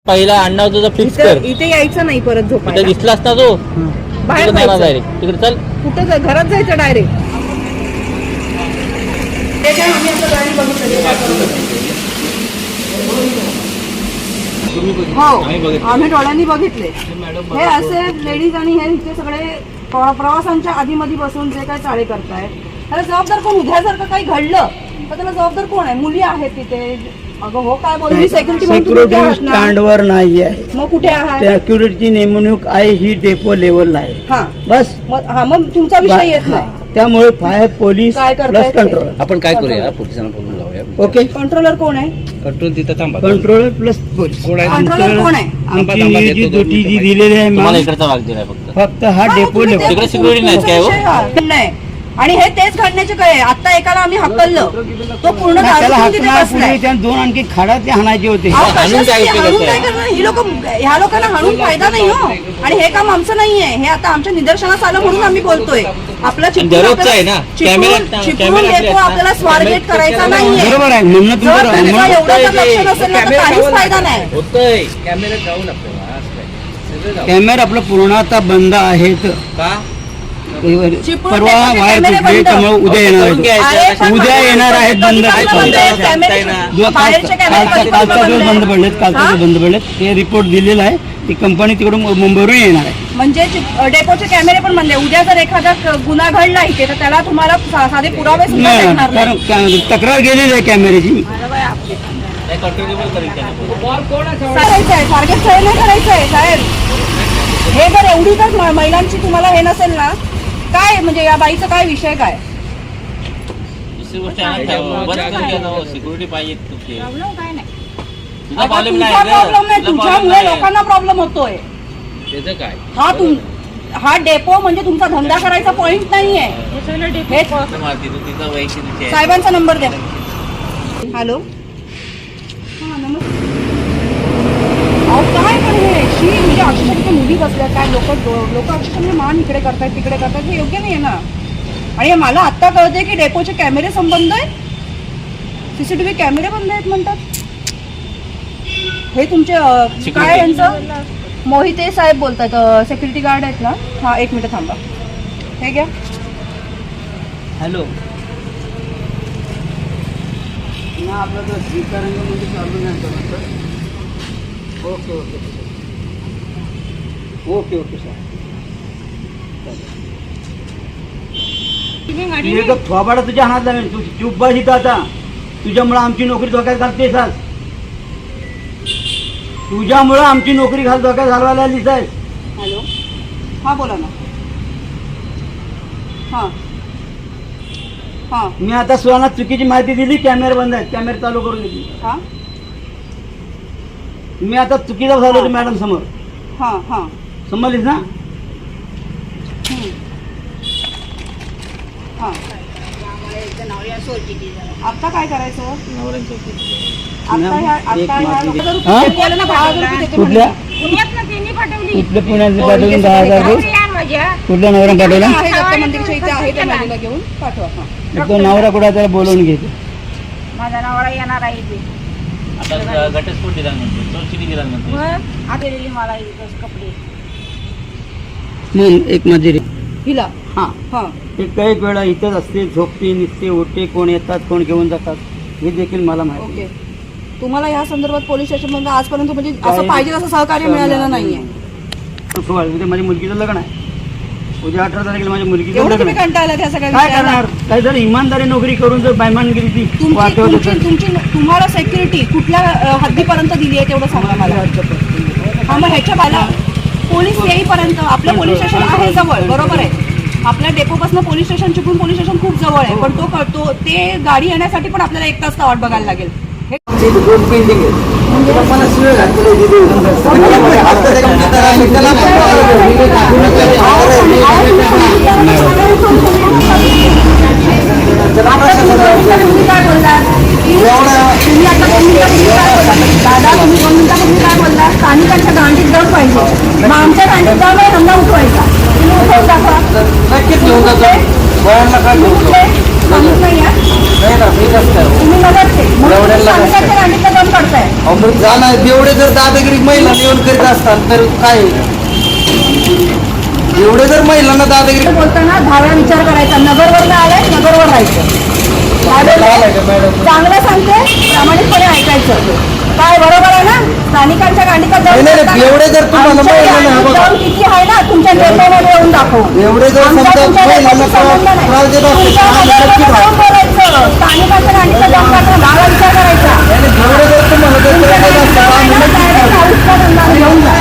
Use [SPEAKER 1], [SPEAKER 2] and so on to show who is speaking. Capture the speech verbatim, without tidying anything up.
[SPEAKER 1] पहिला अण्णा तुझा फिक्स कर.
[SPEAKER 2] इथे यायचं नाही परत झोपायला.
[SPEAKER 1] इथे दिसलास ना तो
[SPEAKER 2] बाहेर
[SPEAKER 1] जाणार डायरेक्ट तिकडे. चल
[SPEAKER 2] कुठं जा- घरात जायचं डायरेक्ट. ते काय आम्ही आता गाडी बघितली. हो आम्ही डोळ्यांनी बघितले. हे असे लेडीज आणि हे इथे सगळे प्र- प्रवासांच्या आधीमध्ये बसून जे काय चाळे करतायत त्याला जबाबदार कोण? उद्या जर का काही घडलं तर त्याला जबाबदार कोण आहे? मुली आहेत तिथे. अगं हो काय बोलली सेक्युरिटी
[SPEAKER 3] सिक्युरिटी स्टँडवर नाही आहे.
[SPEAKER 2] मग कुठे आहात?
[SPEAKER 3] सिक्युरिटीची नेमणूक आहे ही डेपो लेवलला आहे.
[SPEAKER 2] हा
[SPEAKER 3] बस
[SPEAKER 2] मग हा मग तुमचा विषय येत नाही.
[SPEAKER 3] त्यामुळे फायर पोलीस
[SPEAKER 2] काय
[SPEAKER 3] प्लस
[SPEAKER 2] करतायत?
[SPEAKER 3] कंट्रोल.
[SPEAKER 4] आपण काय करूया पोलिसांना बोलून लावूया.
[SPEAKER 3] ओके
[SPEAKER 2] कंट्रोलर कोण आहे?
[SPEAKER 4] कंट्रोल तिथं थांबा.
[SPEAKER 3] Controller plus police.
[SPEAKER 4] कोण आहे?
[SPEAKER 2] कंट्रोलर कोण आहे?
[SPEAKER 3] आमची ही जी ड्युटी जी दिलेली आहे
[SPEAKER 1] तुम्हाला
[SPEAKER 3] मॅम,
[SPEAKER 1] इकडचा भाग दिलाय फक्त.
[SPEAKER 3] फक्त हा
[SPEAKER 2] हा,
[SPEAKER 3] डेपो
[SPEAKER 2] तुम्ही
[SPEAKER 3] लेवल.
[SPEAKER 2] ते-
[SPEAKER 1] तिकडे security नाही काय हो?
[SPEAKER 2] तुमचा विषय हा. नाही आणि हे तेच घडण्याचे काय? आता एकाला आम्ही हकललं तो पूर्ण
[SPEAKER 3] नाही, त्याला
[SPEAKER 2] दारू पिऊन तिथे
[SPEAKER 3] हाकणार
[SPEAKER 2] बसलाय.
[SPEAKER 3] पुढे त्या दोन आणखी खाडा ते हाणायचे होते.
[SPEAKER 2] अहो,
[SPEAKER 1] हाणून
[SPEAKER 2] कशासाठी?
[SPEAKER 1] काय उपयोग
[SPEAKER 2] हाणून
[SPEAKER 1] आहे?
[SPEAKER 2] काय करणार? ही लोक ह्या लोकांना हाणून फायदा नाही हो. आणि हे काम आमचं नाहीये. हे आता आमच्या निदर्शनास आलं म्हणून आम्ही बोलतोय. आपला चिपळूण
[SPEAKER 1] दररोजचं आहे ना.
[SPEAKER 2] आपल्याला-
[SPEAKER 1] camera-
[SPEAKER 2] Chiplun- Chiplun
[SPEAKER 1] camera
[SPEAKER 2] depot
[SPEAKER 1] असले
[SPEAKER 2] आपल्याला
[SPEAKER 1] असतात.
[SPEAKER 2] स्वारगेट करायचा नाहीये.
[SPEAKER 3] बरोबर आहे म्हणणं
[SPEAKER 2] जर
[SPEAKER 3] तुमचं
[SPEAKER 2] त्यांचा
[SPEAKER 3] म्हणणं-
[SPEAKER 2] एवढा जर लक्ष नसेल ना तर काहीच फायदा नाही.
[SPEAKER 1] होतंय
[SPEAKER 4] कॅमेऱ्यात जाऊन आपल्याला असं काय. सगळं जाऊ.
[SPEAKER 3] कॅमेरा आपलं पूर्णतः बंद आहेत.
[SPEAKER 4] का
[SPEAKER 2] चिपळूण
[SPEAKER 3] परवा
[SPEAKER 2] डेपोचे
[SPEAKER 3] वायर
[SPEAKER 2] कॅमेरे
[SPEAKER 3] तुटले
[SPEAKER 2] बंद.
[SPEAKER 3] त्यामुळे उद्या येणार
[SPEAKER 1] करून
[SPEAKER 3] आहेत.
[SPEAKER 1] घ्यायचं.
[SPEAKER 2] अरे, पण
[SPEAKER 3] उद्या
[SPEAKER 2] बाहेरचे
[SPEAKER 3] येणार आहेत बंद.
[SPEAKER 2] कधी
[SPEAKER 3] काय
[SPEAKER 2] बंद आहेत?
[SPEAKER 1] सांगताय
[SPEAKER 2] कॅमेरे-
[SPEAKER 1] ना.
[SPEAKER 3] जो काल-
[SPEAKER 2] बाहेरचे कॅमेरे
[SPEAKER 3] कालचा
[SPEAKER 2] कधी
[SPEAKER 3] कालचा
[SPEAKER 2] बंद
[SPEAKER 3] दिवस
[SPEAKER 2] आहेत?
[SPEAKER 3] बंद पडलेत. कालचा
[SPEAKER 2] हा?
[SPEAKER 3] दिवस बंद पडलेत. ते रिपोर्ट दिलेला आहे. ती कंपनी तिकडून मुंबईवरून येणार आहे.
[SPEAKER 2] म्हणजे चिप- डेपोचे कॅमेरे पण बंद आहे. उद्या जर एखादा क- गुन्हा घडला इथे तर त्याला तुम्हाला सा- साधे पुरावे सुद्धा
[SPEAKER 3] नाही
[SPEAKER 2] भेटणार
[SPEAKER 3] कारण
[SPEAKER 2] नाही.
[SPEAKER 3] का- तक्रार गेलेली आहे कॅमेऱ्याची.
[SPEAKER 1] नाही, कंट्रोलेबल करेल त्याला.
[SPEAKER 2] करायचं आहे टार्गेट फेल नाही करायचं आहे साहेब. हे जर एवढी जर म- महिलांची तुम्हाला हे नसेल ना काय म्हणजे या बाईचा काय विषय काय?
[SPEAKER 1] दुसरी गोष्ट आहे ना, बंद करून घ्या ना हो. सिक्युरिटी पाहिजे तुझी. तुझा
[SPEAKER 2] आता
[SPEAKER 1] प्रॉब्लेम
[SPEAKER 2] तुमचा
[SPEAKER 1] नाही
[SPEAKER 2] प्रॉब्लेम नाही
[SPEAKER 1] तुझा problem
[SPEAKER 2] तुमच्यामुळे
[SPEAKER 1] नाही.
[SPEAKER 2] लोकांना प्रॉब्लेम होतोय.
[SPEAKER 4] त्याचं काय.
[SPEAKER 2] हा तुम हा डेपो म्हणजे तुमचा धंदा करायचा पॉइंट नाहीये. हे
[SPEAKER 1] तू मारती, तू तिचा वैयक्तिक विषय आहे.
[SPEAKER 2] साहेबांचा नंबर द्या. हॅलो हा नमस्ते. अहो काय पण हे शी म्हणजे अक्षरशः तिथे मुली बसल्या काय लोक लोक अक्षरशः म्हणजे मान इकडे करतायत तिकडे करतायत हे योग्य नाही आहे ना. आणि हे मला आत्ता कळते की डेपोचे कॅमेरे संबंध आहेत. सीसीटीव्ही कॅमेरे बंद आहेत म्हणतात. हे तुमचे अं, काय यांचं मोहिते साहेब बोलतात सेक्युरिटी गार्ड आहेत ना. हा एक मिनिट थांबा. हे घ्या.
[SPEAKER 3] हॅलो ना आपला जो स्वीकारांग म्हणजे चालू नाही करत. Okay okay okay okay sir. तुझे थोबाडा तुझ्या हातात लागेल. तू चूप बस इथं आता. तुझ्यामुळं आमची नोकरी धोक्यात घालतेस आज. तुझ्यामुळं आमची नोकरी घाल धोक्यात घालवायला आलीस आहे.
[SPEAKER 2] हॅलो हां बोला ना. हां हां
[SPEAKER 3] मी आता सुहाना चुकीची माहिती दिली. कॅमेरे बंद आहेत. कॅमेरे चालू करून दिली.
[SPEAKER 2] हां
[SPEAKER 3] मी आता चुकीचा झालो होतो मॅडम समोर.
[SPEAKER 2] हां हां
[SPEAKER 3] समजलीस ना.
[SPEAKER 2] हं. हां आता काय करायचं?
[SPEAKER 1] नवऱ्यांच्या उपयोग.
[SPEAKER 2] आता ह्या आता
[SPEAKER 3] एक
[SPEAKER 2] ह्या
[SPEAKER 3] माती.
[SPEAKER 2] हजार
[SPEAKER 3] हां?
[SPEAKER 2] रुपये केलं ना, दहा हजार रुपये देते
[SPEAKER 3] कुठल्या
[SPEAKER 2] म्हणे.
[SPEAKER 5] पुण्यातनं त्यांनी पाठवली.
[SPEAKER 3] कुठल्या पुण्यात पाठवून दहा हजार रुपये.
[SPEAKER 5] या माझ्या
[SPEAKER 3] कुठल्या नवरा पाठवला.
[SPEAKER 2] आहे दत्त मंदिरच्या इथे आहे त्या मुलीला घेऊन पाठवा. हां
[SPEAKER 3] तो नवरा कुठे त्याला बोलवून घेते.
[SPEAKER 5] माझा नवरा येणार आहे ते.
[SPEAKER 1] आता घटस्फोट दिला म्हणते, चोरचिडी दिला म्हणते.
[SPEAKER 5] मग आता दिली मला इथंच कपडे.
[SPEAKER 3] मग एक मजुरी
[SPEAKER 2] हिला
[SPEAKER 3] हां
[SPEAKER 2] हां
[SPEAKER 3] ते काही वेळा इथंच असते. झोपते निघते उठते. कोण येतात कोण घेऊन जातात हे देखील मला माहिती.
[SPEAKER 2] ओके. तुम्हाला या संदर्भात पोलीस स्टेशनमध्ये आजपर्यंत म्हणजे असं
[SPEAKER 3] काही-
[SPEAKER 2] पाहिजे असं सहकार्य मिळालेलं नाहीये.
[SPEAKER 3] सोळा उद्या माझ्या मुलगीचं लग्न आहे. उद्या अठरा तारखेला माझ्या मुलगीचं
[SPEAKER 2] एवढं
[SPEAKER 3] लग्न
[SPEAKER 2] तुम्ही
[SPEAKER 3] आहे.
[SPEAKER 2] कंटाळला त्या सगळ्या
[SPEAKER 3] काय
[SPEAKER 2] विषयाला?
[SPEAKER 3] करणार. काही जर इमानदारी नोकरी करून जर बैमानगिरी ती
[SPEAKER 2] तुमची
[SPEAKER 3] वाटवत
[SPEAKER 2] तुमची
[SPEAKER 3] असेल.
[SPEAKER 2] तुमची तुम्हाला सेक्युरिटी कुठल्या अ, हद्दीपर्यंत दिली आहे तेवढं सांगा मला. हा मग ह्याच्या बाला पोलीस येईपर्यंत आपलं पोलीस स्टेशन आहे जवळ बरोबर आहे. आपल्या डेपोपासून police station Chiplun police station खूप जवळ आहे. पण तो तो ते गाडी येण्यासाठी पण आपल्याला एक तास वाट बघायला लागेल. हे तुम्ही काय बोलला तुम्ही आता दोन मिनिटापूर्वी काय बोलला दादा तुम्ही दोन मिनिटापूर्वी काय बोलला स्थानिकांच्या गांडीत दम पाहिजे. मग आमच्या गांडीत दम आहे धंदा उठवायचा. तुम्ही उठवून दाखवा.
[SPEAKER 3] नक्कीच घेऊन जातो.
[SPEAKER 2] कुठले? सांगूच नाही या.
[SPEAKER 3] नाही ना मी कसं काय
[SPEAKER 2] तुम्ही नगरचे म्हणून तुम्ही
[SPEAKER 3] एवढ्याला कसं
[SPEAKER 2] स्थानिकांच्या
[SPEAKER 3] काय?
[SPEAKER 2] गांडीतला दम काढताय.
[SPEAKER 3] अहो, मग जाणार एवढे जर दादागिरी महिला येऊन करीत असतात तर काय एवढे जर महिलांना दादागिरी
[SPEAKER 2] बोलताना दहाव्या विचार करायचा. नगरवर आलाय, नगरवर राहायचं. काय बोलताय? चांगलं सांगते, प्रामाणिकपणे ऐकायचं. काय बरोबर आहे ना? स्थानिकांच्या गांडीचा
[SPEAKER 3] नाही, नाही,
[SPEAKER 2] दम
[SPEAKER 3] नाही, एवढे जर तुम्हाला
[SPEAKER 2] आमच्या
[SPEAKER 3] महिलांना
[SPEAKER 2] गांडीत
[SPEAKER 3] बघा.
[SPEAKER 2] दम किती आहे ना तुमच्या निर्णयामध्ये येऊन दाखवू.
[SPEAKER 3] एवढे जर
[SPEAKER 2] आमचा
[SPEAKER 3] समजा
[SPEAKER 2] तुमच्या
[SPEAKER 3] महिलांना
[SPEAKER 2] देशाशी संबंध नाही.
[SPEAKER 3] त्रास देत असतील,
[SPEAKER 2] तुमच्या
[SPEAKER 3] आम्ही
[SPEAKER 2] नगरवर
[SPEAKER 3] नक्की
[SPEAKER 2] जाऊन बोलायचं. स्थानिकांच्या गांडीचा दम काढताना दहावा विचार करायचा.
[SPEAKER 3] एवढे जर तुम्हाला जर
[SPEAKER 2] तुमच्या
[SPEAKER 3] त्रास देत
[SPEAKER 2] गांडीचा
[SPEAKER 3] असतील, आम्ही
[SPEAKER 2] आहे ना,
[SPEAKER 3] नक्की
[SPEAKER 2] direct हाऊसला धंदा घेऊन जा.